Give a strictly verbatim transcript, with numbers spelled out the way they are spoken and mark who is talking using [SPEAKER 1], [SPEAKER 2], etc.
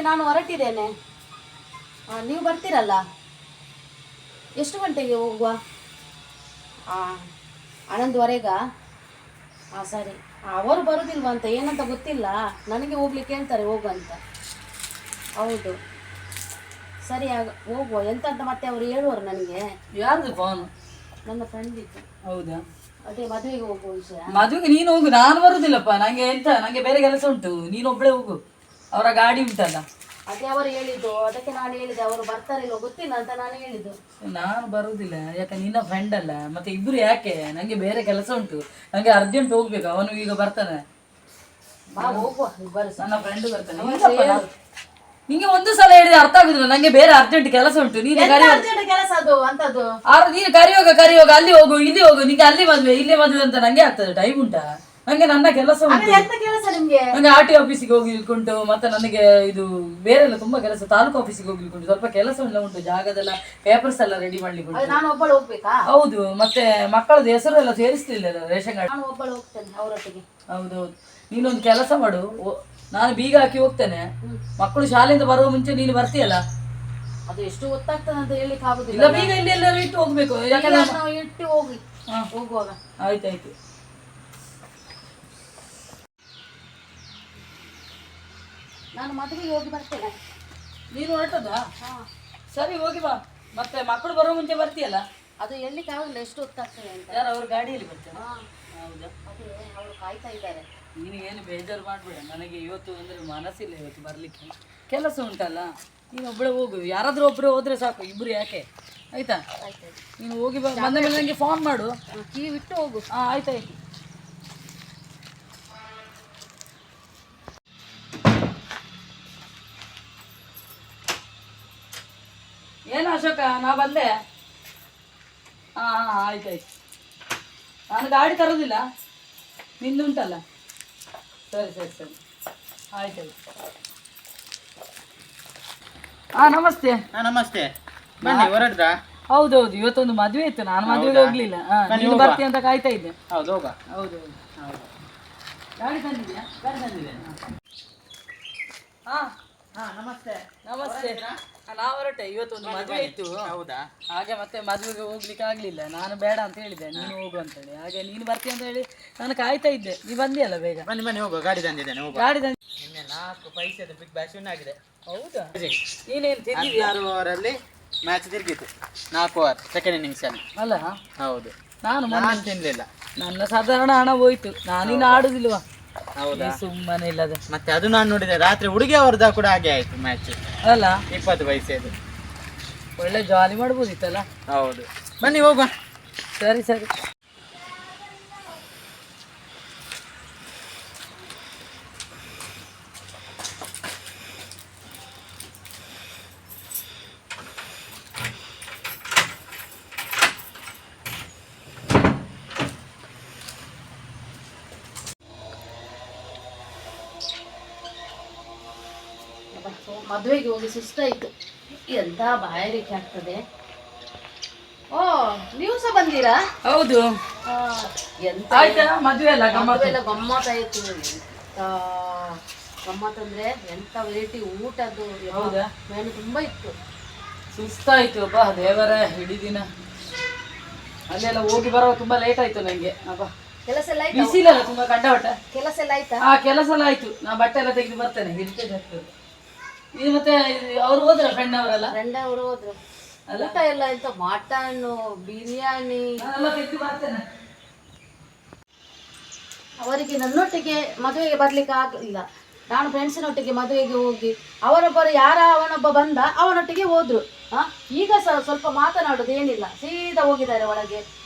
[SPEAKER 1] ನಾನು ಹೊರಟಿದ್ದೇನೆ. ನೀವು ಬರ್ತೀರಲ್ಲ? ಎಷ್ಟು ಗಂಟೆಗೆ ಹೋಗುವ? ಹಾಂ, ಹನ್ನೊಂದುವರೆಗಾ? ಹಾಂ ಸರಿ. ಅವರು ಬರೋದಿಲ್ವಂತ, ಏನಂತ ಗೊತ್ತಿಲ್ಲ. ನನಗೆ ಹೋಗ್ಲಿಕ್ಕೆ ಹೇಳ್ತಾರೆ ಹೋಗುವಂತ. ಹೌದು ಸರಿ, ಆಗ ಹೋಗುವ. ಎಂತ ಅಂತ ಮತ್ತೆ ಅವರು ಹೇಳುವರು ನನಗೆ.
[SPEAKER 2] ಯಾರ್ದು ಫೋನ್?
[SPEAKER 1] ನನ್ನ ಫ್ರೆಂಡ್ ಇತ್ತು.
[SPEAKER 2] ಹೌದಾ?
[SPEAKER 1] ಅದೇ ಮದುವೆಗೆ ಹೋಗುವ ವಿಷಯ.
[SPEAKER 2] ಮದುವೆಗೆ ನೀನು ಹೋಗು, ನಾನು ಬರುದಿಲ್ಲಪ್ಪ. ನಂಗೆ ಎಂತ, ನಂಗೆ ಬೇರೆ ಕೆಲಸ ಉಂಟು. ನೀನು ಒಬ್ಬಳೇ ಹೋಗು, ಅವರ ಗಾಡಿ ಉಂಟಲ್ಲ.
[SPEAKER 1] ಅದೇ ಅವರು ಹೇಳಿದ್ದು, ಅದಕ್ಕೆ ನಾನು ಹೇಳಿದೆ. ಅವರು ಬರ್ತಾರಿಲ್ವ ಗೊತ್ತಿಲ್ಲ ಅಂತ ನಾನು ಹೇಳಿದ್ದು.
[SPEAKER 2] ನಾನು ಬರುದಿಲ್ಲ, ಯಾಕೆ ನಿನ್ನ ಫ್ರೆಂಡ್ ಅಲ್ಲ. ಮತ್ತೆ ಇಬ್ರು ಯಾಕೆ? ನಂಗೆ ಬೇರೆ ಕೆಲಸ ಉಂಟು, ನಂಗೆ ಅರ್ಜೆಂಟ್ ಹೋಗ್ಬೇಕು. ಅವನು ಈಗ ಬರ್ತಾನೆ.
[SPEAKER 1] ಬಾ ಹೋಗುವ ಇಬ್ಬರು.
[SPEAKER 2] ನನ್ನ ಫ್ರೆಂಡ್ ಬರ್ತಾನೆ. ನಿಂಗೆ ಒಂದು ಸಲ ಹೇಳಿದ್ರೆ ಅರ್ಥ ಆಗುದಿಲ್ಲ. ನಂಗೆ ಬೇರೆ ಅರ್ಜೆಂಟ್ ಕೆಲಸ ಉಂಟು. ನೀನು
[SPEAKER 1] ಕೆಲಸ ಅದು ಅಂತದ್ದು.
[SPEAKER 2] ಆರು ನೀನು ಕರಿಯೋಗ ಕರಿಯೋಗ ಅಲ್ಲಿ ಹೋಗು ಇಲ್ಲಿ ಹೋಗು. ನಿಂಗೆ ಅಲ್ಲಿ ಮದ್ವೆ ಇಲ್ಲಿ ಮದ್ವೆ ಅಂತ ನಂಗೆ ಆಗ್ತದೆ. ಟೈಮ್ ಉಂಟಾ? ನಂಗೆ ನನ್ನ ಕೆಲಸ ಉಂಟು.
[SPEAKER 1] ಕೆಲಸ ನಿಮ್ಗೆ? ನಂಗೆ
[SPEAKER 2] ಆರ್ ಟಿ ಆಫೀಸಿಗೆ ಹೋಗ್ಲಿಕ್ಕೆ ಉಂಟು. ಮತ್ತೆ ನನಗೆ ಇದು ಬೇರೆ ಎಲ್ಲ ತುಂಬಾ ಕೆಲಸ. ತಾಲೂಕು ಆಫೀಸಿಗೆ ಹೋಗ್ಲಿಕ್ಕೆ ಉಂಟು. ಸ್ವಲ್ಪ ಕೆಲಸ ಎಲ್ಲ ಉಂಟು. ಜಾಗದೆಲ್ಲ ಪೇಪರ್ಸ್ ಎಲ್ಲ ರೆಡಿ ಮಾಡ್ಲಿಕ್ಕೆ ಉಂಟು.
[SPEAKER 1] ನಾನು ಒಬ್ಬಳು ಹೋಗ್ಬೇಕಾ?
[SPEAKER 2] ಹೌದು. ಮತ್ತೆ ಮಕ್ಕಳದ್ದು ಹೆಸರು ಎಲ್ಲ ಸೇರಿಸ್ತಿಲ್ಲ ರೇಷನ್ ಕಾರ್ಡ್.
[SPEAKER 1] ನಾನು ಒಬ್ಬಳು ಹೋಗ್ತೇನೆ ಅವರೊಟ್ಟಿಗೆ.
[SPEAKER 2] ಹೌದೌದು. ನೀನೊಂದು ಕೆಲಸ ಮಾಡು, ನಾನು ಬೀಗ ಹಾಕಿ ಹೋಗ್ತೇನೆ. ಮಕ್ಕಳು ಶಾಲೆಯಿಂದ ಬರುವ ಮುಂಚೆ ನೀನು ಬರ್ತೀಯಲ್ಲ?
[SPEAKER 1] ಅದು ಎಷ್ಟು ಗೊತ್ತಾಗ್ತದೆ ಅಂತ ಹೇಳಿಕ್ಕೆ ಆಗುದಿಲ್ಲ.
[SPEAKER 2] ಇಲ್ಲ, ಬೀಗ ಇಲ್ಲಿ ಎಲ್ಲರೂ ಇಟ್ಟು ಹೋಗ್ಬೇಕು. ಯಾಕಂದ್ರೆ
[SPEAKER 1] ನಾವು ಇಟ್ಟು ಹೋಗಿ ಹೋಗುವಾಗ.
[SPEAKER 2] ಆಯ್ತಾಯ್ತು.
[SPEAKER 1] ನಾನು ಮದುವೆಗೆ ಹೋಗಿ ಬರ್ತೇನೆ.
[SPEAKER 2] ನೀನು ಹೊರಟದಾ? ಸರಿ, ಹೋಗಿ ಬಾ. ಮತ್ತೆ ಮಕ್ಕಳು ಬರೋ ಮುಂಚೆ ಬರ್ತೀಯಲ್ಲ?
[SPEAKER 1] ಅದು ಎಲ್ಲಿಗೆ ಆಗುದಿಲ್ಲ, ಎಷ್ಟು ಹೊತ್ತಾಗ್ತದೆ ಅಂತ.
[SPEAKER 2] ಯಾರು ಅವ್ರ ಗಾಡಿಯಲ್ಲಿ ಬರ್ತಾರೆ? ಹೌದಾ?
[SPEAKER 1] ಅದೇ ಅವರು ಕಾಯ್ತಾ ಇದ್ದಾರೆ.
[SPEAKER 2] ನೀನು ಏನು ಬೇಜಾರು ಮಾಡ್ಬೇಡ. ನನಗೆ ಇವತ್ತು ಅಂದ್ರೆ ಮನಸ್ಸಿಲ್ಲ ಇವತ್ತು ಬರ್ಲಿಕ್ಕೆ. ಕೆಲಸ ಉಂಟಲ್ಲ. ನೀನು ಒಬ್ಬಳೆ ಹೋಗು. ಯಾರಾದ್ರೂ ಒಬ್ಬರು ಹೋದ್ರೆ ಸಾಕು, ಇಬ್ರು ಯಾಕೆ? ಆಯ್ತಾ? ನೀನು ಹೋಗಿ ಬಾ. ಬಂದ ಮೇಲೆ ನನಗೆ ಫೋನ್ ಮಾಡು.
[SPEAKER 1] ಕೀ ಬಿಟ್ಟು ಹೋಗು.
[SPEAKER 2] ಹಾಂ, ಆಯ್ತಾಯ್ತು. ಏನು ಅಶೋಕ, ನಾ ಬಂದೆ. ಹಾಂ ಹಾಂ, ಆಯ್ತಾಯ್ತು. ನಾನು ಗಾಡಿ ತರೋದಿಲ್ಲ, ನಿಂದುಂಟಲ್ಲ. ಸರಿ ಸರಿ ಸರಿ, ಆಯ್ತಾಯ್ತು. ಹಾಂ, ನಮಸ್ತೆ.
[SPEAKER 3] ಹಾಂ, ನಮಸ್ತೆ. ಬನ್ನಿ, ಹೊರಡ್ರಾ?
[SPEAKER 2] ಹೌದೌದು, ಇವತ್ತೊಂದು ಮದುವೆ ಇತ್ತು. ನಾನು ಮದುವೆಗೆ ಹೋಗ್ಲಿಲ್ಲ. ಹಾಂ, ನೀನು ಬರ್ತೀಯ ಅಂತ ಕಾಯ್ತಾ ಇದ್ದೆ.
[SPEAKER 3] ಹೌದು, ಹೋಗ.
[SPEAKER 2] ಹೌದು ಹೌದು. ಗಾಡಿ ತಂದಿದ್ಯಾ? ಗಾಡಿ ತಂದಿದ್ದೆ. ಹಾಂ
[SPEAKER 3] ಹಾಂ, ನಮಸ್ತೆ.
[SPEAKER 2] ನಮಸ್ತೆ. ನಾವು ಹೊರಟೆ. ಇವತ್ತೊಂದು ಮದುವೆ ಇತ್ತು.
[SPEAKER 3] ಹೌದಾ?
[SPEAKER 2] ಹಾಗೆ ಮತ್ತೆ ಮದುವೆಗೆ ಹೋಗ್ಲಿಕ್ಕೆ ಆಗ್ಲಿಲ್ಲ. ನಾನು ಬೇಡ ಅಂತ ಹೇಳಿದೆ, ನೀನು ಹೋಗು ಅಂತ ಹೇಳಿ. ಹಾಗೆ ನೀನು ಬರ್ತೀಯ ಅಂತ ಹೇಳಿ ನಾನು ಕಾಯ್ತಾ ಇದ್ದೆ. ನೀ ಬಂದಿಯಲ್ಲ ಬೇಗ.
[SPEAKER 3] ಬನ್ನಿ ಬನ್ನಿ, ಹೋಗುವ. ಗಾಡಿ ತಂದಿದ್ದೇನೆ, ಹೋಗುವ.
[SPEAKER 2] ಗಾಡಿ ತಂದು
[SPEAKER 3] ನಿನ್ನೆ ನಾಲ್ಕು ಪೈಸೆದು ಬಿಗ್ ಬ್ಯಾಶ್ ವಿನ್ ಆಗಿದೆ.
[SPEAKER 2] ಹೌದಾ? ನೀನೇನು ತಿಂದಿದ್ಯಾ?
[SPEAKER 3] ಆರು ಓವರಲ್ಲಿ ಮ್ಯಾಚ್ ತಿರುಗಿತು. ನಾಲ್ಕು ಓವರ್ ಸೆಕೆಂಡ್ ಇನ್ನಿಂಗ್ಸ್ ಅಲ್ಲಿ.
[SPEAKER 2] ಅಲ್ಲ?
[SPEAKER 3] ಹೌದು.
[SPEAKER 2] ನಾನು
[SPEAKER 3] ನಾನು ತಿನ್ಲಿಲ್ಲ.
[SPEAKER 2] ನನ್ನ ಸಾಧಾರಣ ಹಣ ಹೋಯ್ತು. ನಾನಿನ್ನು ಆಡುದಿಲ್ವಾ?
[SPEAKER 3] ಹೌದಾ?
[SPEAKER 2] ಸುಮ್ಮನೆ ಇಲ್ಲದೆ.
[SPEAKER 3] ಮತ್ತೆ ಅದು ನಾನು ನೋಡಿದೆ ರಾತ್ರಿ. ಹುಡುಗಿ ಅವ್ರದ್ದು ಕೂಡ ಹಾಗೆ ಆಯ್ತು ಮ್ಯಾಚ್.
[SPEAKER 2] ಅಲ್ಲ?
[SPEAKER 3] ಇಪ್ಪತ್ತು ಪೈಸೆದು.
[SPEAKER 2] ಒಳ್ಳೆ ಜಾಲಿ ಮಾಡ್ಬೋದಿತ್ತಲ್ಲ?
[SPEAKER 3] ಹೌದು. ಬನ್ನಿ, ಹೋಗುವ.
[SPEAKER 2] ಸರಿ ಸರಿ.
[SPEAKER 1] ಮದುವೆಗೆ ಹೋಗಿ ಸುಸ್ತಾಯ್ತು. ಎಂತ ಬಾಯಾರಿಕೆ ಆಗ್ತದೆ. ಓ, ನೀವು ಸಹ ಬಂದೀರಾ?
[SPEAKER 2] ಹೌದು.
[SPEAKER 1] ಎಂತ
[SPEAKER 2] ಆಯ್ತಾ ಮದುವೆ ಎಲ್ಲ
[SPEAKER 1] ಗಮ್ಮತ್ತೆಲ್ಲ ಗಮ್ಮತ್ತಾಯ್ತು. ಎಂತ ಗಮ್ಮತ್ತಂದ್ರೆ ಎಂತ ವೆರೈಟಿ ಊಟದ್ದು.
[SPEAKER 2] ಹೌದಾ?
[SPEAKER 1] ಮೆನು ತುಂಬಾ ಇತ್ತು.
[SPEAKER 2] ಸುಸ್ತಾಯ್ತು ಅಪ್ಪ ದೇವರ. ಇಡೀ ದಿನ ಅಲ್ಲೆಲ್ಲ ಹೋಗಿ ಬರೋ ತುಂಬಾ ಲೇಟ್ ಆಯ್ತು ನಂಗೆ. ಅಪ್ಪ
[SPEAKER 1] ಕೆಲಸ ಎಲ್ಲ ಆಯ್ತು?
[SPEAKER 2] ಬಿಸಿಲಲ್ಲ ತುಂಬಾ ಕಂಡವಟ.
[SPEAKER 1] ಕೆಲಸ ಎಲ್ಲ ಆಯ್ತಾ?
[SPEAKER 2] ಹಾ, ಕೆಲಸ ಎಲ್ಲ ಆಯ್ತು. ನಾ ಬಟ್ಟೆ ಎಲ್ಲ ತೆಗೆದು ಬರ್ತೇನೆ. ಹಿಡಿತೇನೆ ಆಗ್ತದೆ. ಇದು ಮತ್ತೆ ಅವ್ರು ಹೋದ್ರ ಫ್ರೆಂಡ್ ಅವರೆಲ್ಲ?
[SPEAKER 1] ಫ್ರೆಂಡ್ ಅವರು ಹೋದ್ರು. ಊಟ ಎಲ್ಲ ಎಂತ ಮಟನ್, ಬಿರಿಯಾನಿ
[SPEAKER 2] ನಾನೆಲ್ಲ ತೆಗೆದು ಬರ್ತೇನೆ.
[SPEAKER 1] ಅವರಿಗೆ ನನ್ನೊಟ್ಟಿಗೆ ಮದುವೆಗೆ ಬರ್ಲಿಕ್ಕೆ ಆಗಲಿಲ್ಲ. ನಾನು ಫ್ರೆಂಡ್ಸಿನೊಟ್ಟಿಗೆ ಮದುವೆಗೆ ಹೋಗಿ ಅವರೊಬ್ಬರು ಯಾರ ಅವನೊಬ್ಬ ಬಂದ, ಅವನೊಟ್ಟಿಗೆ ಹೋದ್ರು. ಹ ಈಗ ಸಹ ಸ್ವಲ್ಪ ಮಾತನಾಡೋದು ಏನಿಲ್ಲ, ಸೀದಾ ಹೋಗಿದ್ದಾರೆ ಒಳಗೆ.